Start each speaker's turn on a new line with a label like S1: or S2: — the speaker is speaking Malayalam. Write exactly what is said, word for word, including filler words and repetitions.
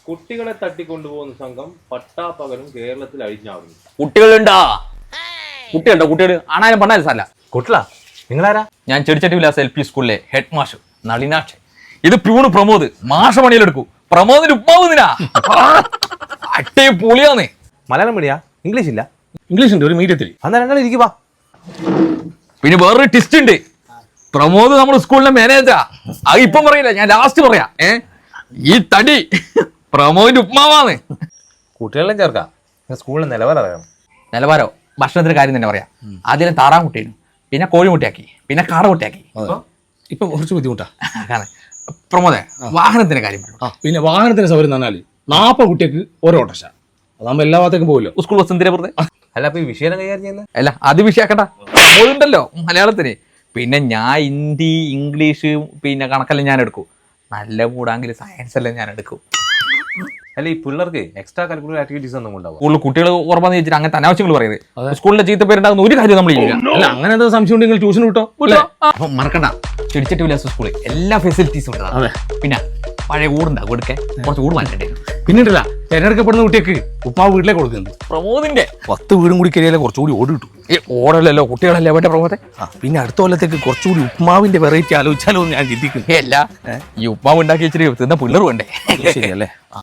S1: കുട്ടികളെ തട്ടിക്കൊണ്ടുപോകുന്ന സംഘം പട്ടാപ്പകലും കേരളത്തിൽ അഴിഞ്ഞാടുന്നു.
S2: കുട്ടികളുണ്ടാ കുട്ടികളുണ്ടോ കുട്ടികൾ ആണായാലും പണ്ടായാലും സാരല്ല.
S3: കുട്ടികളാ നിങ്ങളാരാ?
S2: ഞാൻ ചെടിച്ചട്ടി വിലാസ് എൽ പി സ്കൂളിലെ ഹെഡ് മാഷ് നളിനാക്ഷ്. ഇത് പ്യൂണ് പ്രമോദ് മാഷ പണിയിലെടുക്കൂ. പ്രമോദിന് ഉപ്പാവുന്നിനാ അട്ടേ പൊളിയാന്നേ.
S3: മലയാളം മീഡിയാ? ഇംഗ്ലീഷ് ഇല്ല?
S4: ഇംഗ്ലീഷ് ഉണ്ട് ഒരു മീഡിയത്തിൽ.
S3: അന്നാ രണ്ടാളും ഇരിക്കുവാ.
S2: പിന്നെ വേറൊരു ടിസ്റ്റ് ഉണ്ട്. പ്രമോദ് നമ്മുടെ സ്കൂളിലെ മാനേജറാ. അത് ഇപ്പം പറയില്ല, ഞാൻ ലാസ്റ്റ് പറയാ. ഏ ഈ തടി പ്രമോദിന്റെ ഉപ്മാവാന്ന്.
S3: കുട്ടികളെല്ലാം ചേർക്കാം. സ്കൂളിൽ നിലവാരം അറിയണം.
S2: നിലവാരോ ഭക്ഷണത്തിന്റെ കാര്യം തന്നെ പറയാം. ആദ്യം താറാൻ കുട്ടിയായിരുന്നു, പിന്നെ കോഴിമുട്ടയാക്കി, പിന്നെ കാട കുട്ടിയാക്കി.
S4: ഇപ്പൊ കുറച്ച് ബുദ്ധിമുട്ടാ.
S2: കാരണം പ്രമോദേ വാഹനത്തിന്റെ കാര്യം പറഞ്ഞു.
S4: ആ പിന്നെ വാഹനത്തിന്റെ സൗകര്യം എന്ന് പറഞ്ഞാൽ നാൽപ്പത് കുട്ടിക്ക് ഓരോ ഓട്ടോഷ. അതാകുമ്പോ എല്ലാ ഭാഗത്തേക്കും പോകില്ലോ.
S2: സ്കൂൾ ബസ് എന്തിനാ വെറുതെ?
S3: അല്ല അപ്പൊ ഈ വിഷയം കൈകാര്യം ചെയ്യുന്നത്?
S2: അല്ല അത് വിഷയാക്കണ്ട, ഉണ്ടല്ലോ മലയാളത്തിന്. പിന്നെ ഞാൻ ഹിന്ദി ഇംഗ്ലീഷ് പിന്നെ കണക്കെല്ലാം ഞാൻ എടുക്കും. നല്ല കൂടാങ്കിൽ സയൻസ് എല്ലാം ഞാൻ എടുക്കും.
S3: അല്ല ഈ പിള്ളേർക്ക് എക്സ്ട്രാ കരിക്കുലർ ആക്ടിവിറ്റീസ് ഒന്നും ഉണ്ടാവും?
S2: സ്കൂളിൽ കുട്ടികൾ ഉറപ്പാന്ന് വെച്ചിട്ട് അങ്ങനത്തെ അനാവശ്യങ്ങൾ പറയുന്നത്. സ്കൂളിന്റെ ചീത്ത പേരുണ്ടാകുന്ന ഒരു കാര്യം നമ്മൾ ചെയ്യില്ല.
S4: അല്ല അങ്ങനെ എന്താ സംശയം ഉണ്ടെങ്കിൽ ട്യൂഷൻ വിട്ടോ.
S2: അപ്പൊ മറക്കണ്ട, ചെടിച്ചട്ടി വിലാസ സ്കൂളിൽ എല്ലാ ഫെസിലിറ്റീസും ഉണ്ട്. പിന്നെ പഴയ ഊടുണ്ടാകും, എടുക്കാൻ കുറച്ച് ഊട് മാറ്റണ്ടേ.
S4: പിന്നീടല്ല തിരഞ്ഞെടുക്കപ്പെടുന്ന കുട്ടിക്ക് ഉപ്പാവ് വീട്ടിലേക്ക് കൊടുക്കുന്നുണ്ട്.
S2: പ്രമോദിന്റെ
S4: പത്ത് വീടും കൂടി കയറിയാലേ കുറച്ചുകൂടി ഓടി കിട്ടും.
S2: ഈ ഓടല്ലല്ലോ കുട്ടികളല്ലേ വേണ്ട പ്രമോദെ.
S4: ആ പിന്നെ അടുത്ത കൊല്ലത്തേക്ക് കുറച്ചുകൂടി ഉപ്മാവിന്റെ വെറൈറ്റി ആലോചിച്ചാലോ എന്ന് ഞാൻ ചിന്തിക്കുന്നു.
S2: അല്ല ഈ ഉപ്പാവ് ഉണ്ടാക്കി വെച്ചിട്ട് തിന്ന പിള്ളേർ വേണ്ടേ?
S4: ശരിയല്ലേ?